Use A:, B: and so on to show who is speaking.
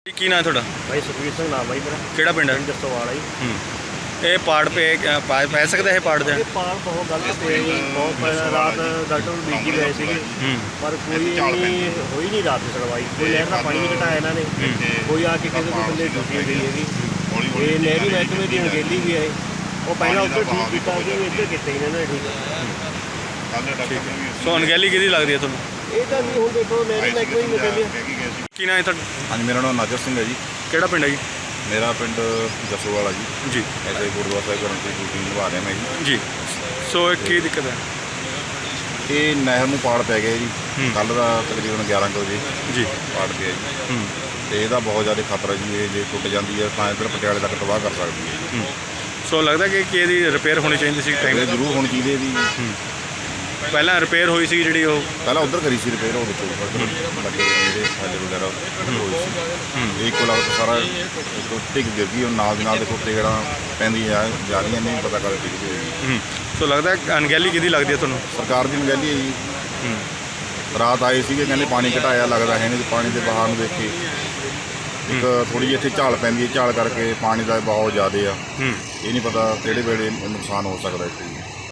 A: ਕੀ ਨਾਂ ਤੁਹਾਡਾ?
B: भाई सुखबीर सिंह नाम है जी मेरा।
A: ਕਿਹੜਾ ਪਿੰਡ ਹੈ?
B: जसोवाल है जी।
A: ਇਹ ਪਾੜ ਪੈ ਸਕਦਾ ਇਹ ਪਾੜ ਦੇ?
B: ये पाल बहुत गलत पे जी, बहुत रात डॉक्टर ਨੂੰ ਬੀਜੀ ਗਏ ਸੀਗੇ ਪਰ ਕੋਈ ਇੰਨੀ ਹੋਈ ਨਹੀਂ ਰਾਤ ਦੀ ਸੁਣਵਾਈ। ਕੋਈ ਨਹਿਰ ਦਾ ਪਾਣੀ ਨਹੀਂ ਘਟਾਇਆ ਇਹਨਾਂ ਨੇ, ਕੋਈ ਆ ਕੇ ਕਿਸੇ ਦੇ ਬੰਦੇ ਡਿਊਟੀ ਗਈ ਹੈਗੀ। ਇਹ ਨਹਿਰੀ ਮਹਿਕਮੇ ਦੀ ਅਣਗਹਿਲੀ ਵੀ ਹੈ। ਉਹ ਪਹਿਲਾਂ ਉੱਧਰ ਠੀਕ ਕੀਤਾ ਸੀ, ਇੱਧਰ ਕੀਤੇ ਇਹਨਾਂ ਨੇ ਠੀਕ।
A: ਸੋ ਅਣਗਹਿਲੀ ਕਿਹਦੀ ਲੱਗਦੀ ਹੈ ਤੁਹਾਨੂੰ?
B: ਇਹ ਤਾਂ ਜੀ ਹੁਣ ਦੇਖੋ ਨਹਿਰੀ ਮਹਿਕਮੇ ਦੀ ਨਿਕਲਦੀ।
A: ਕੀ ਨਾਂ ਹੈ ਤੁਹਾਡਾ?
C: ਹਾਂਜੀ, ਮੇਰਾ ਨਾਮ ਨਾਜਰ ਸਿੰਘ ਹੈ ਜੀ।
A: ਕਿਹੜਾ ਪਿੰਡ ਹੈ ਜੀ?
C: ਮੇਰਾ ਪਿੰਡ ਜਸੋਵਾਲ ਜੀ।
A: ਜੀ
C: ਐਸੇ ਗੁਰਦੁਆਰਾ ਸਾਹਿਬ ਕਰਨ ਦੀ ਡਿਊਟੀ ਨਿਭਾ ਰਿਹਾ ਮੈਂ ਜੀ।
A: ਜੀ ਸੋ ਇਹ ਕੀ ਦਿੱਕਤ ਹੈ?
C: ਇਹ ਨਹਿਰ ਨੂੰ ਪਾੜ ਪੈ ਗਿਆ ਜੀ। ਕੱਲ੍ਹ ਦਾ ਤਕਰੀਬਨ 11 ਕੁ ਵਜੇ
A: ਜੀ
C: ਪਾੜ ਪਿਆ ਜੀ। ਤੇ ਇਹਦਾ ਬਹੁਤ ਜ਼ਿਆਦਾ ਖਤਰਾ ਜੀ। ਇਹ ਜੇ ਟੁੱਟ ਜਾਂਦੀ ਹੈ ਤਾਂ ਇੱਧਰ ਪਟਿਆਲੇ ਤੱਕ ਤਬਾਹ ਕਰ ਸਕਦੀ ਹੈ।
A: ਸੋ ਲੱਗਦਾ ਕਿ ਇਹਦੀ ਰਿਪੇਅਰ ਹੋਣੀ ਚਾਹੀਦੀ ਸੀ
C: ਇਹ
A: ਟਾਈਮ
C: ਜ਼ਰੂਰ ਹੋਣੀ ਚਾਹੀਦੀ ਇਹਦੀ।
A: ਪਹਿਲਾਂ ਰਿਪੇਅਰ ਹੋਈ ਸੀ ਜਿਹੜੀ ਉਹ
C: ਪਹਿਲਾਂ ਉੱਧਰ ਕਰੀ ਸੀ ਰਿਪੇਅਰ, ਉਹ ਦੇਖੋ ਲੱਗੇ ਜਿਹੜੇ ਸਾਡੇ ਵਗੈਰਾ ਹੋਈ ਸੀ। ਇਹ ਇੱਕੋ ਲਗਤ ਸਾਰਾ ਟਿਕ ਗਿਰ ਗਈ। ਉਹ ਨਾਲ ਦੀ ਨਾਲ ਦੇਖੋ ਟਿਕੜਾਂ ਪੈਂਦੀਆਂ ਜਾ ਰਹੀਆਂ, ਨਹੀਂ ਪਤਾ ਕਦ ਟਿਕ ਹੋਏਗੀ।
A: ਸੋ ਲੱਗਦਾ ਅਣਗਹਿਲੀ ਕਿਹਦੀ ਲੱਗਦੀ ਹੈ ਤੁਹਾਨੂੰ?
C: ਸਰਕਾਰ ਦੀ ਅਣਗਹਿਲੀ ਹੈ ਜੀ। ਰਾਤ ਆਏ ਸੀਗੇ, ਕਹਿੰਦੇ ਪਾਣੀ ਘਟਾਇਆ, ਲੱਗਦਾ ਹੈ ਨਹੀਂ। ਪਾਣੀ ਦੇ ਬਹਾਅ ਨੂੰ ਦੇਖ ਕੇ ਇੱਕ ਥੋੜ੍ਹੀ ਜਿਹੀ ਇੱਥੇ ਝਾਲ ਪੈਂਦੀ ਹੈ, ਝਾਲ ਕਰਕੇ ਪਾਣੀ ਦਾ ਬਹਾਅ ਜ਼ਿਆਦਾ ਆ। ਇਹ ਨਹੀਂ ਪਤਾ ਕਿਹੜੇ ਵੇਲੇ ਨੁਕਸਾਨ ਹੋ ਸਕਦਾ ਇੱਥੇ।